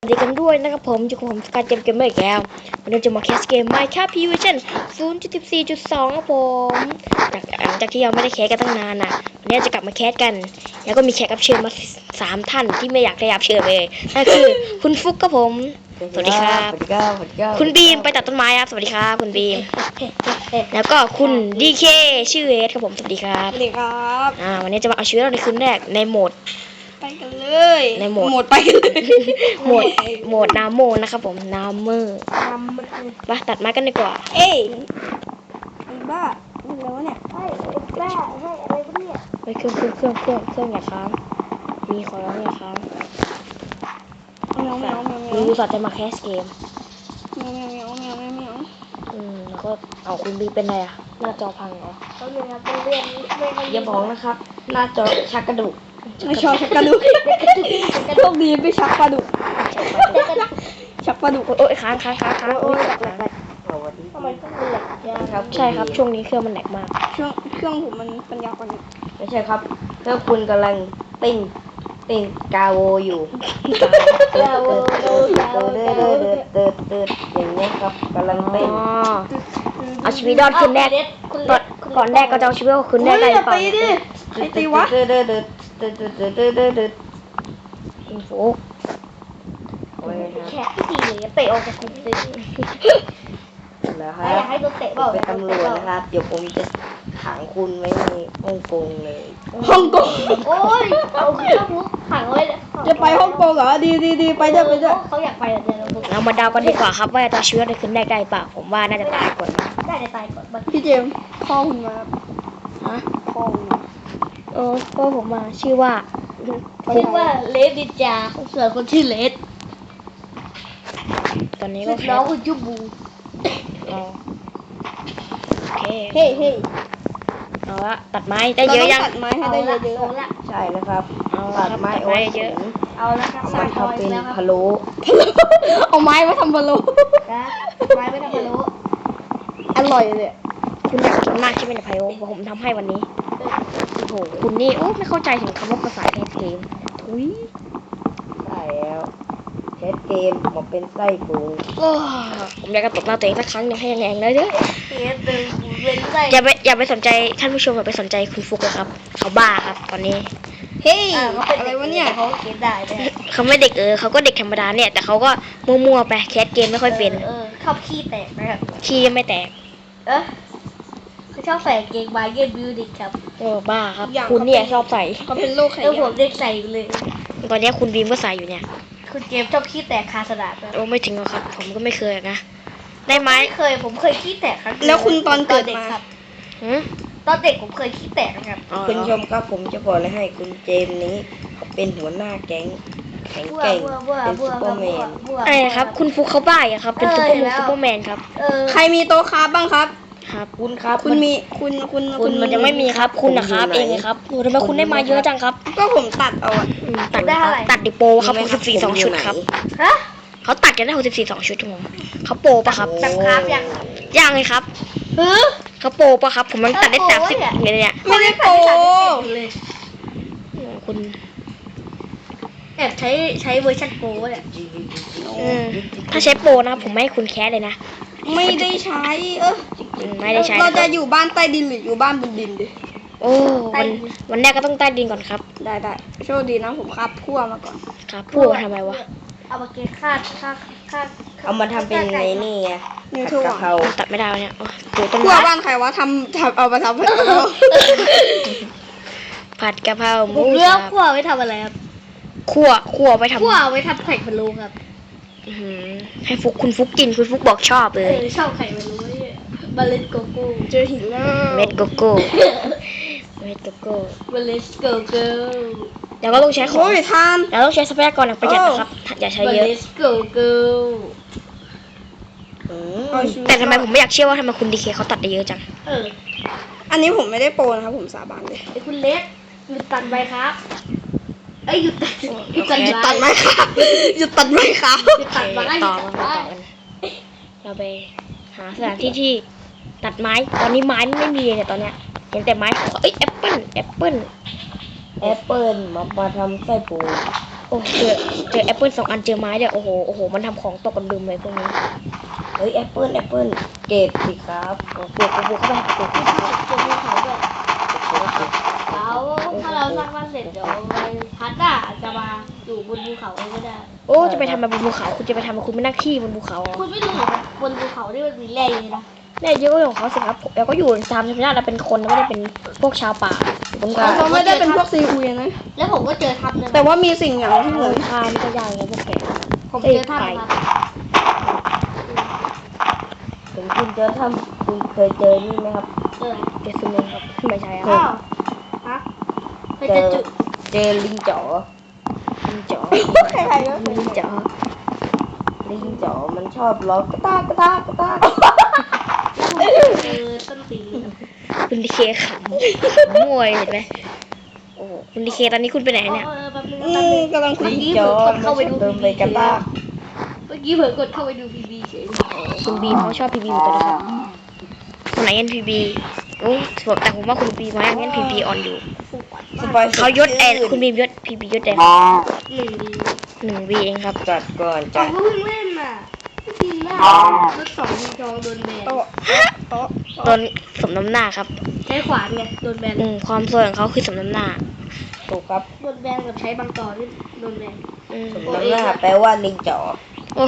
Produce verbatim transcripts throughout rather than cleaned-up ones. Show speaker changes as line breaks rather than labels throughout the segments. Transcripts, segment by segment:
สวัสดีกันด้วยนะครับผมอยู่กับผมสกายเกมเกมเมอร์อีกแล้ววันนี้จะมาแคสเกม Minecraft พี Version ศูนย์จุดสิบสี่จุดสอง ครับผมจากหลังจากที่เราไม่ได้แคสกันตั้งนานนะวันนี้จะกลับมาแคสกันแล้วก็มีแขกรับเชิญมาสามท่านที่ไม่อยากได้รับเชิญเลยนั่นคือคุณฟุกครับผมสวัสดีครับคุณบีมไปตัดต้นไม้ครับสวัสดีครับคุณบีมแล้วก็คุณดีเคชื่อเอสครับผมสวัสดีครับ
สวัสดีครับ
อ่าวันนี้จะมาเอาชีวิตเราในคืนแรกในโหมด
ไปกันเลย
ในโหมด
โหมดไปกันเลย
โหมดโหมดนาโมนะครับผมนาเมอร์ไปตัดไม้กันดีกว่า
เอ้ยไอ้บ้ามึงแล้วเนี่ยไอ้บ้าให้อะไรวะเนี่ย
ไปเครื่องเครื่องเครื่องเครื่องเครื่องอย่าค้างมีขอร้องอย่าค้าง
แมวแมวแมวแมว
ดูสัตว์จะมาแคสเกม
แมวแมวแมวแมวแมวแมว
อืมแล้วก็เอาคุณบีเป็นไรอะหน้าจอพังเหรอ
เขาเรียนไปเรียนไม่
อย่าบอกนะครับหน้าจอชักกระดูก
ไม่ชอบชักกระดูกโชคดีไม่ชักปลาดุกชักปลาดุก
โอ้ยค้างค้างค้างค้างโอ้ย
ทำไมต้องเป็นแหลกยา
ครับใช่ครับช่วงนี้เครื่องมันแหลกมาก
เครื่องเครื่องผมมันปัญญาอ่อน
ไม่ใช่ครับเพื่อคุณกำลังติ้งติ้งกาโวอยู่เติร์ดเติร์ดเติร์ดเติร์ดเติร์ดเติร์ดเติร์ดอย่างเงี้ยครับกำลัง
อ๋
เต้น
อเอาชีวิตรอดคืนแรกก่อนก่อนแรกก็จะเอาชีวิตคืนแรกได้หรือเปล่า
ตีดิใครตีวะ
เติร์ดเติร์ดเติร์ดเติร์ดเติร์ดเติร์ดเติร์ดเติร์ด
คุณฟุก
โอ้ยครับ
แขกที่ตีเลยเตะออกจากคุกเลย
แล้วค
อ
รั
ยา
บ
กให้โดนเตะ
ผ
เปล่าม
เป็นตำรวจนะครับเดี๋ยวผมจะขังคุณไว้ในฮ่องกงเลย
ฮ่องกงโอ้ยเอาขึ้นคุกขังไว้เลยจะไปฮ่องกงเหรอดีดีดีไปด้วยไปด้วยเขาอยากไปเดี๋ยวเรา
เรามาเดากันดีกว่าครับว่าจะเอาชีวิตในคืนแรกได้เปล่าผมว่าน่าจะตายก่อนนะ
ได้จะตายก่อนพี่เจมส์พ่อคุณมา
ฮะ
พ่อคุณ
เออก็ผมมาชื่อว่า
ชื่อว่าเลดดิจาส่วนคนชื่อเลด
ตอนนี้ก็แค่
น้องคือจูบู
รอโอเค
เฮ้เฮ้
เอาละตัดไม้ได้เยอะยัง
ตัดไม้ให้ได้เยอะๆละ
ใช่นะครับ
เอาละ
ตัด
ครับ
ไม้
ตัด
โอ้
ไม้
ย
เยอะ
เอาละครับ
เอามาทำเป็นพะโล้
เอาไม้มาทำบอลลูไม้ไม่ทำบอลลูอร่อยเลย
คุณอยากกินมากใช่ไหมเนี่ยไพโอผมทำให้วันนี้โอ้โหคุณนี่โอ้ไม่เข้าใจถึงคำว่าภาษาในเกมทุย
ใช่แล้วเทสเกมมาเป็นไส้ปู
โอ้ผมอยากจะตบหน้าตัวเองสักครั้งหนึ่งให้แรงๆเลยเด้อ
เอสเดินเป็นไส้
อย่าไปอย่าไปสนใจท่านผู้ชมอย่าไปสนใจคุณฟุกเลยครับเขาบ้าครับตอนนี้
เฮ้ยอะไรวะเนี่ยเขาเขียนได้เลย
เขาไม่เด็กเออเขาก็เด็กธรรมดาเนี่ยแต่เขาก็มั่วๆไปแคสเกมไม่ค่อยเป็น
เออชอบขี้แตกนะครับ
ขี้ไม่แตก
เออเขาชอบใส่เกงบายเกนบิวดิครับ
เออบ้าครับคุณเนี่ยชอบใส่
เขาเป็นโรคไขมันผมเด็กใส่เลย
ตอนนี้คุณบีมก็ใส่อยู่เนี่ย
คุณเกมชอบขี้แตกคาสนาม
โอ้ไม่ถึงหรอกครับ ผมก็ไม่เคยนะ ได้ไหม
ไม่เคยผมเคยขี้แตกครั้ง
แล้วคุณตอนเกิดมา
ครับ
หืม
ตอนเด็กผมเคยขี้แตกนะครับ
อ๋อ
คุณผู้ชมครับผมจะบอกเลยให้คุณเจมส์นี้เขาเป็นหัวหน้าแก๊งแข็ง
บัว
แกร่ง
บัวบัว
เป็น
บั
ซู
ว
เปอร์แมน
บัว
ไอ้ครับ คุณฟุกเขาบ้าอะครับ เป็น
เอ
ซุป
อ
เปอร์
เห็น
มู
แล้ว
ซุปเปอร์แมนครับ
เออ
ใครมีโต๊ะคราฟบ้างครับ
ครับ
คุณครับ
คุณมีคุณคุณ
คุณมันจะไม่มีครับ คุณนะครับเองเลยครับโอ้ทำไมคุณได้มาเยอะจังครับ
ก็ผมตัดเอาอะ
อืมตัดตัดดิโปครับหกสิบสี่สองชุดครับ
ฮะ
เขาตัดกันได้หกสิบสี่สองชุดครับผมเขาโปรปะครับ
ตัดคราฟยัง
ย่างเลยครับ
เออ
เขาโปรปะครับ ผมมันตัดได้
เออ
สามสิบ
โปรเนี่ย
เมตรเนี่ย
ไม่ได้โปร
เลย
คุณ
แอบใช้ใช้เวอร์ชันโปรเนี่ย
อืมถ้าใช้โปรนะครับผมไม่ให้คุณแคสเลยนะ
ไม่ได้ใช้เออ
อืมไม่ได้ใช้
เราจะอยู่บ้านใต้ดินหรืออยู่บ้านบนดินดิ
โอ้วันวันแรกก็ต้องใต้ดินก่อนครับ
ได้ได้โชคดีนะผมครับคั่วมาก่อน
ครับพูดมาทำไมวะ
เอามาเกณฑ์ค่าค่าค่า
เอามาทำเป็นในนี่ไง
นิว
ผัด
ทู
กะเพรา
ตัดไม่ได้วะเนี่ยโอ้ปลูกต้น
คั่ว
ไม้
บ้านใครวะทำทำเอามาทำผัดกะเพรา
ผัดกะเพราห
ผ
มู
มเลือก
สับ
ขั้วไว้ทำอะไรครับ
คั่วคั่วไปทำ
ขั้วไว้ทำไข่พะโล้ครับ
อื้อหือให้ฟุกคุณฟุกกินคุณฟุกบอกชอบเล
เอย อชอบไข่พะโล้เนี่ยเมล็ดโกโก้
เจอหินแล้ว
เม็ดโกโก้เม็ดโกโก้
เมล็ดโกโก้
เดี๋ยวก็ต้องใช้ของ
โอ้ยทาน
เราต้องใช้ทรัพยากรอย่างประหยัดนะครับ อย่าใช้
เม
เยอะ
ล็ดโกโก้
อืม
เอาชีวิต
แต่ทำไมผมไม่อยากเชื่อว่าทำไมคุณดีเคเขาตัดได้เยอะจัง
เออ
อันนี้ผมไม่ได้โปรนะครับผมสาบานเลย
ไอ้คุณเล็กหยุดตัดใบครับเอ้ยหยุดตัดหยุดตัด
หยุดตัดไหมครับหยุดตัดไหมครับ
หยุดตัดใบ
ต่อมาต่อกันเราไปหาสถานที่ที่ตัดไม้ ตอนนี้ไม้ไม่มีเลยเนี่ยตอนเนี้ย เห็นแต่ไม้เอ้ยแอปเปิ้ลแอปเปิ้ล
แอปเปิลมามาทำไส้ปู
โอ้เจอเจอแอปเปิลสองอันเจอไม้เดี๋ยวโอ้โหโอ้โหมันทำของตกกันลืมเลยพวกนี้
เฮ้ยแอปเปิ้ลแอปเปิ้ลเก็บสิครับ
โอ้ปลูกปลูกเข้าไปปลูก
เจอภูเขาด้วยแล้วถ้าเราสร้างบ้านเสร็จเดี๋ยวพัดอ่ะจะมาอยู่บนภูเขาเลยก็ได้
โอ้จะไปทำอะไรบนภูเขาคุณจะไปทำอะไรคุณไม่นั่งขี้บนภูเขาเหรอ
คุณไม่รู้เหรอบนภูเขาที่มันมีแร่เยอะนะ
เนี่ยเยอะก็ของเขาสิครับแล้วก็อยู่ตามธรรมชาติเราเป็นคนไม่ได้เป็นพวกชาวป่าอยู่บนเขา
เราไม่ได้เป็นพวกซีอุยนะ
แล้วผมก็เจอถ้ำนึง
แต่ว่ามีสิ่งอย่างที่เหมือน
ทานก็ยากไงพวกแก
ผมเจอถ้ำนะครับ
ถึงคุณจะทำคุณเคยเจอนี่ไหมครับ
เจอ
เจสุเมนครับไม่ใช่ค
อ้า
รับ
วฮะไป
เจ
เจอ
อ
จุด
เจอลิงจ๋อ
ลิงจ๋อ
ใครๆก็เคย
ลิงจ๋อ
ลิงจ๋อมันชอบร้องกระตากกระตากกระตาก
เจอต้นตีน
คุณดีเคขำมวยเห็นไหมโอ้โหคุณดีเคตอนนี้คุณไปไหนเนี่ย
เออแป๊บนึง
อื
แป๊บ
ม
นึง
กำลังคุย
ลิงจ๋อมันชอบเดินไปกระตาก
เมื่อกี้เผลอกดเข้าไปดูพีบีเฉย
คุณบีมเขาชอบพีบีเหมือนกันนะครับคนไหนเอ็นพีบีโอ้แต่ผมว่าคุณบีมายังเอ็นพีบีออนอยู่
สปอย
เขายศแอนคุณบีมยศพีบียศแอน
หนึ่งดี
หนึ่งวีเองครับ
จัดก่อน
ผ
จั
ม
ด
ก็เพิ่งเล่นน่ะไม่จริงนะรถสองมีจองโดนแบน
โต๊ะโต๊ะ
ตนสมน้ำหน้าครับ
ใช้ขวานไงโดนแบน
อืมความสวยของเขาคือสมน้ำหน้า
ถูกครับ
โดนแบนกับใช้บางต่อนี่โดนแบน
อืม
สมน้ำหน้าแปลว่าลิงจ๋อ
โอ้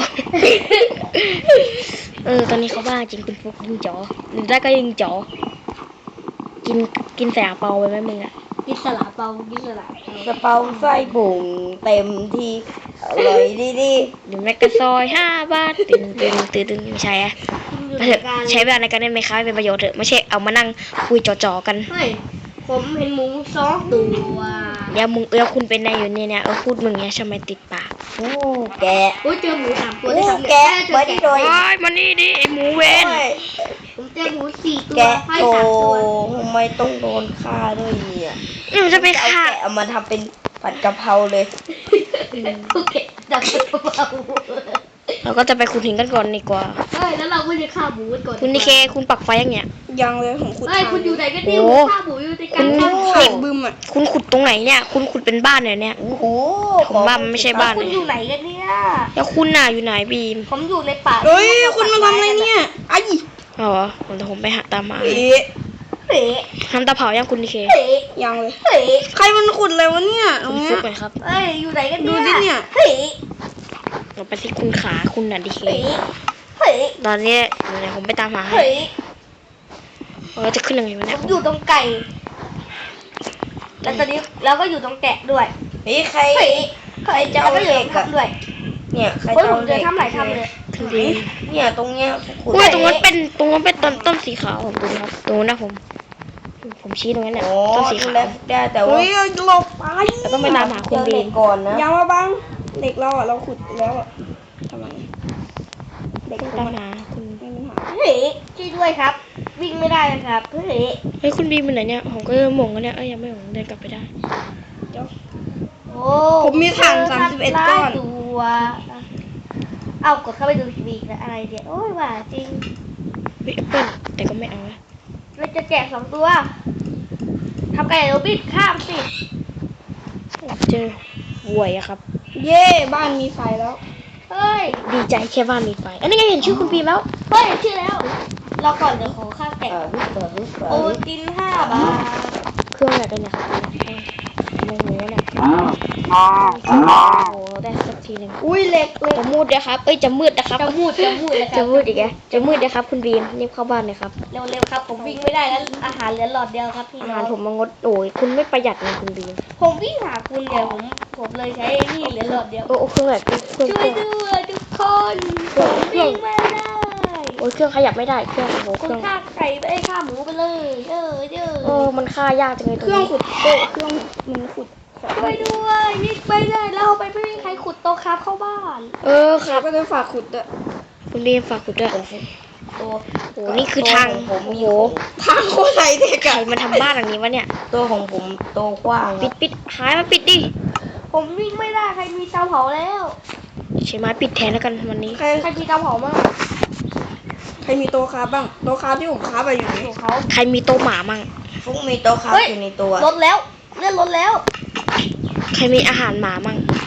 เออตอนนี้เขาบ้าจริงคุณฟุกยิงจ๋อหรือได้ก็ยิงจ๋อกินกินแสงเปาไปไหมมึงอะ
กินสลาเปากินสลา
สเปาไส้ผงเต็มที่อร่อยดีดี
หรือแมกกาซอยห้าบาทตื่นตื่นตื่นตื่นไม่ใช่อะ
อยู่
มา
ใน
เถอะ
การ
ใช้เวลาในการเล่นไหมคะให้เป็นประโยชน์เถอะไม่ใช่เอามานั่งคุยจ่อๆกัน
เฮ้ยผมเห็นหมูสองตัว
เดี๋ยวมึงเออคุณเป็นนายอยู่เนี่ยเนี่ยเออพูดมึงเนี้ยทำไมติดปาก
โอ้แกะ
โอ้ยเจอหมูสามตัว
โอ้
ได้ทำ
แกะ
เจอ
เบิร์ด
แกะ
โดย
โอ้ยมานี่ดิไอหมูเว
โอ้
น
ย
ผมเจอหมูสี่ตัว
แกะ
ให้
โต
สามตัว
ทำไมต้องโดนฆ่าด้วยเนี่ย
อืมจะไป
เอา
ฆ่า
แกะเอามาทำเป็นผัดกะเพราเลย
โอเคดับตัวเบา
เราก็จะไปขุดหินกันก่อนดีกว่า
เฮ้ยแล้วเราก็จะฆ่าหมูกันก่อน
คุณดีเคคุณปักไฟยังเนี่ย
ยังเลยผมขุด
เฮ้ย
ทาง
คุณอยู่ไหนกันเนี่ย
โอ้
ผมฆ่าหมูอยู่ในกลาง
คุณ
ทาง
เด็กบึมอ่ะ
คุณขุดตรงไหนเนี่ย คุณขุดเป็นบ้านเนี่ยเนี่ย
โอ้โห
ผมว่ามันไม่ใช่บ้าน
คุณอยู่ไหนกันเนี่ย
แล้วคุณน่ะอยู่ไหนบีม
ผมอยู่ในป่า
เฮ้ยคุณมาทำอะไรเนี่ยไอ้
อ๋อผมจะผมไปหาตามหา
เอ๊ะ
เฮ้ย
ทำตาเผายังคุณดีเค
เฮ้ย
ยังเลย
เฮ้ย
ใครมันขุดอะไรวะเนี่ยตร
คุ
ง
ณ
เนี้
ฟุ
ย
กหน่อยครับ
เฮ้ยอยู่ไหนกันเนี่ย
ดูสิเนี่ย
เฮ้ย
เราไปที่คุณขาคุณน่ะดีเค
เฮ้ยเฮ้ย
ตอนนี้เดี๋ยวผมไปตามหาให้
เฮ้ย
เราจะขึ้นยังไงวะ
ผ
เนี่ย
มอยู่ตรงไก่ แล้วตอนนี้เราก็อยู่ตรงแกะด้วย
เฮ้ยใคร
เฮ้ย
ใครจะเอา
แล้วก็อยู่
เห
ต
ล็
รง
กอะ
ทำด้วย
เนี่ยใคร
เฮ้ย
จะ
ผ
เอา
ม
เห
เจ
ล็
อก ทำหลายทำเลย
คุณบีม
เนี่ยตรงเนี้ยขุด
อุ้ยตรงนั้นเป็นตรงนั้นเป็นต้นต้นสีขาวผมดูนะครับตรงนั้นนะผม ผมชี้ตรงนั้นน่ะ
โอ้
ต้นสี
ดู
ขาว
แลได้แต่ว่า
เฮ้ยหลบไป
แล้วต้องไปตามหาคุณ
เจอ
บี
เหล็
ม
กก่อนนะ
อย่ามาบังเด็กเราอ่ะเราขุดแล้วอ่ะทำไมเด็ก
ต้อง
ผ
ตาม
ม
หาคุณ
ไม่มีปัญหา
เฮ้ยช่วยด้วยครับ วิ่งไม่ได้นะครับเฮ้ย
เฮ้ยคุณบีมเป็นไหนเนี่ยผมก็หมงกันเนี่ยเอ้ยยังไม่หมงเดินกลับไปได้
โอ้
ผมมีถ่านสามสิบเอ็ดก้อน
ตัวเอากดเข้าไปดูทีวีอีกนะอะไรเดี๋ยวโอ้ยว่าจริง
เฮ้ยแอปเปิ้ลแต่ก็ไม่เอาละ
เราจะแจกสองตัวทำไก่โรบิดข้ามสิ
เจอหวยอะครับ
เย่บ้านมีไฟแล้ว
เฮ้ย
ดีใจแค่บ้านมีไฟอันนี้ไงเห็นชื่อคุณบีมแล้ว
เฮ้ยชื่อแล้วเราก่อนเดี๋ยวขอข้ามแกะ
เออรูปเปิดรูปเปิด
โอตินห้าบาท
เครื่องอะไรกันเนี่ยครับไม่รู้เนี่ยโอ้โหได้สักทีหนึ่ง
อุ้ยเหล็กเหล็ก
จะมืดนะครับ เอ้ยจะมืดนะครับ
จะมูดจะมูดเลยค
จะ
รับ
มืดอีกแกจะมืดนะครับคุณบีมรีบเข้าบ้านเลยครับ
เร็วๆครับ ผมวิ่งไม่ได้แล้วอาหารเหลือหลอดเดียวครับพี่
อา
น้
หา
อ
รง ผมมางดโอ้ยคุณไม่ประหยัดเลยคุณบีม
ผมวิ่งหาคุณเนี่ยผมผมเลยใช้นี่เหลือหลอดเดียว
โอ้โอ้เครื่องแบบเครื่อง
ช่
เค
วย
รื่อง
ด้วยทุกคนผมวิ่งไม่ได้
โอ้ยเครื่องขยับไม่ได้เครื่องโอ้โหเค
คุณ
รื่อง
ฆ่าไก่ไปได้ฆ่าหมูไปเลยเออเออ
เออมันฆ่ายากจังเลยต
เค
รง
รื่อง
นี้
ขุดโต๊ะเครื่องมันขุดของ
ช่วยด้วยวิ่งไปเลยแล้วไปไม่มีใครขุดโต๊ะครับเข้าบ้าน
เออค
เขา
รับ
ก็จะฝากขุดด้วย
คุณบีมฝากขุดด้วย
ตัว
โอ้โหนี่คือทาง
ผม
โอ้
มี
โห
ทางโคตรไหลเด็ก
ใคร
อะ
มาทำบ้านหลังนี้วะเนี่ย
ตัวของผมโตกว้าง
ปิดปิดหายมาปิดดิ
ผมวิ่งไม่ได้ใครมีเตาเผาแล้ว
ใช้ไม้ปิดแทนแล้วกันวันนี้
ใคร
ใครมีเตาเผาบ้าง
ใครมีโต๊ะคราฟบ้างโต๊ะคราฟที่ผมคราฟไปอยู่นี่
ของเขา
ใครมีโต๊ะหมามั่ง
ฟุกมีโตครับอยู่ในตัว
ลดแล้วเลื่อนลดแล้ว
ใครมีอาหารหมามั่ง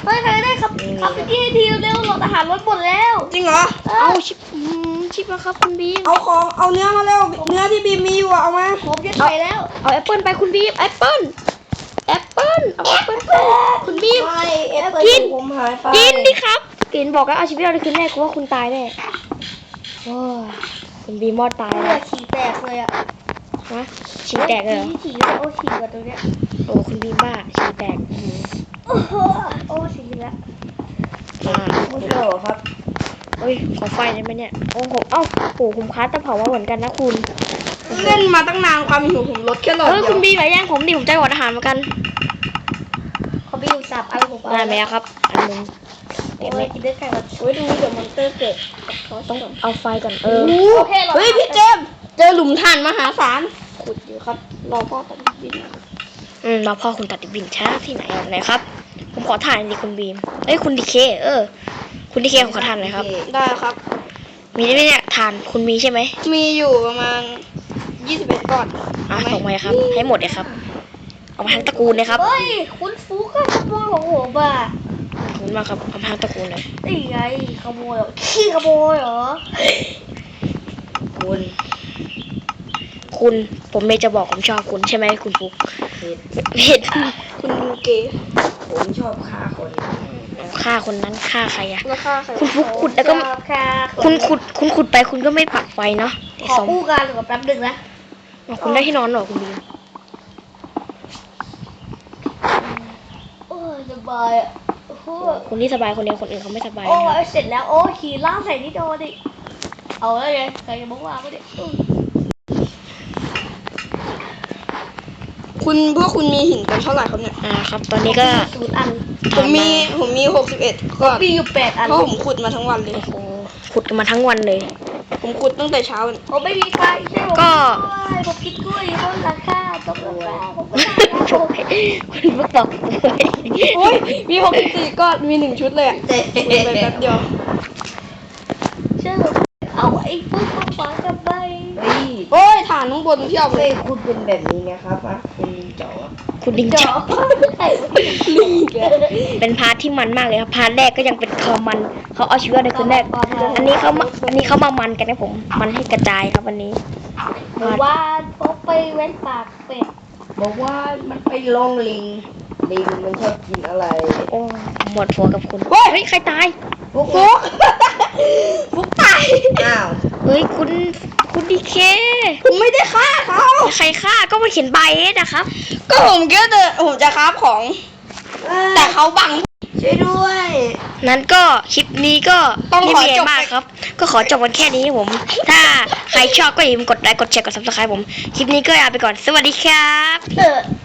เฮ้ยใครได้ครับครับพี่ให้ทีเร็วหลอดอาหารลดหมดแล้ว
จริงเหรอ
เอาชิปอืมชิปมาครับคุณบีม
เอาของเอาเนื้อมาเร็วเนื้อที่บีมมีอยู่อะเอามา
ผมจะใส่แล้ว
เอาแอปเปิลไปคุณบีมแอปเปิลแอปเปิลเอาแอปเปิลไปคุณบีม
ไม่แอปเปิล
กิน
ผมหายไป
กินดิครับกินบอกแล้วเอาชีวิตเราได้คืนแรกกูว่าคุณตายแน่โอ้ยคุณบีมมอดตาย
เลื
แล้
อ
ว
ดฉี่แตกเลยอ่ะ
ฮะฉี่แตกเลยเหรอ
ที่ฉี่แล้วโอ้ฉี่กว่าตรงเนี้ย
โอ้คุณบีมบ้าฉี่แตกอื้อหือ
โอ้โหโอ้ฉี่แล้ว
อ่า
ไม่ใช่หรอครับ
เฮ้ยขอไฟได้ไหมเนี่ยโอ้โหเอ้าโอ้ผมคัสตะเผามาเหมือนกันนะคุณ
เล่นมาตั้งนานความหิวผมลดแค่หลอด
เฮ้ย
เดี
คุ
ย
ณ
ว
บีมอย่าแย่งผมดิผมใจหวานอาหารเหมือนกัน
เขาไปอยู่สับอะไรผมเอา
ได้ไหมอะครับอันหนึง
โอ้
เดี๋ยวไม่
ยกินได้ไก่แบบ
โอ้ยดูเดี๋ยวมอนเตอร์เกิด
ต้องเอาไฟก่อนเออ
โอเคเรา
เฮ้ยพี่เจมส์เจอหลุมถ่านมหาศาลขุดอยู่ครับรอพ่อตัดดิน
อืมเราพ่อคุณตัดดิบบินช้าที่ไหนอ่ะไหนครับ ผมขอถ่ายดิคุณบีมเอ้ยคุณดีเคเออ คุณดีเคผมขอถ่านหน่อยครับ
ได้ครับ
มีได้ไหมเนี่ยถ่านคุณมีใช่ไหม
มีอยู่ประมาณยี่สิบเอ็ดก้อน
อ่ะส่งมาเลยครับ ให้หมดเลยครับ เอามาทั้งตระกูลเลยครับ
เฮ้ยคุณฟุกก็ขโมยของผมอ่ะ
ขอบคุณมากครับเอามาทั้งตระกูลเลย
นี่ไงขโมยเหรอขี้ขโมยเหรอ
คุณ
คุณผมเมย์จะบอกผมชอบคุณใช่ไหมคุณฟุก
เห็ด
เห็ด
คุณยูเกย์
ผมชอบฆ่าคน
ฆ่าคนนั้นฆ่าใครอะ
ราคาใคร
คุณฟุกขุดแล้วก็
ค่ะ
คุณขุดคุณขุดไปคุณก็ไม่ปักไฟเนาะไอ้
ขอ
สม
คู่กันหรือแป๊บหนึงนะ
อ๋อคุณได้ที่นอนเหรอคุณบีม
โอ้ยสบายอ่ะโอ้โห
คุณที่สบายคนเดียวคนอื่นเขาไม่สบาย
โอ้
นะครับ
ยเสร็จแล้วโอ้ยขี่ล่างใส่นี่โดนดิเอาแล้วไงใครจะบอกว่าไม่ได้อื้อ
คุณพวกคุณมีหินกันเท่าไหร่ครับเนี่ย
อ่าครับ ตอนนี้ก็
ศูนย์อัน
ผมมีผมมีหกสิบเอ็ดก้อน
มีอยู่แปดอัน
เพราะผมขุดมาทั้งวันเลย
โอ้โหขุดกันมาทั้งวันเลย
ผมขุดตั้งแต่เช้าเลย
ผมไม่มีไฟใช่ไหม
ก็
ผมกินกล้วยบนหลังคาตกหลังคาผมไม่ได้
โอ้ยคุณฟุกบอกโอ้ย
โอ้ยมีหกสิบสี่ก้อนมีหนึ่งชุดเลยอะขุดไปแป๊บเดียว
เชื่อผมเอาไอ้พวกมาฝังกับใบ
เฮ้ย
โอ้ยฐานข้างบนเพียบเล
เฮ้
ย
ยคุณเป็นแบบนี้นะครับอ่ะคุณลิงจ๋อ
คุณดิง
เจา
จั
ะ
บ
ลิงแก
เป็นพาร์ทที่มันมากเลยครับ พาร์ทแรกก็ยังเป็นคอมัน เขาเอาชีวิตในคืนแรก อันนี้เขามาอันนี้เขามามันกันนะผม มันให้กระจายครับวันนี้
หมู่บ้านพกไปเว้นปากเป็ด
บอกว่ามันไปลงลิง ลิงมันชอบกินอะไร
โอ้หมดหัวกับคุณ เฮ้ย ใครตาย
ฟุก
ฟุกฟุกตาย
อ้าว
เฮ้ย คุณ คุณดีเค
ผมไม่ได้ฆ่าเขา
ใครฆ่าก็มาเขียนใบเอสนะครับ
ก็ผมแค่เดินผมจะคราฟของ แต่เขาบัง
ช่วยด้วย
นั้นก็คลิปนี้ก็
ต้องขอ
ไม่มีะไร
จบ
มากครับ ก็ขอจบกันแค่นี้ครับผม ถ้าใครชอบก็อย่าลืมกดไลค์กดแชร์กดซับสไครต์ผม คลิปนี้ก็ลาไปก่อน สวัสดีครับ
เออ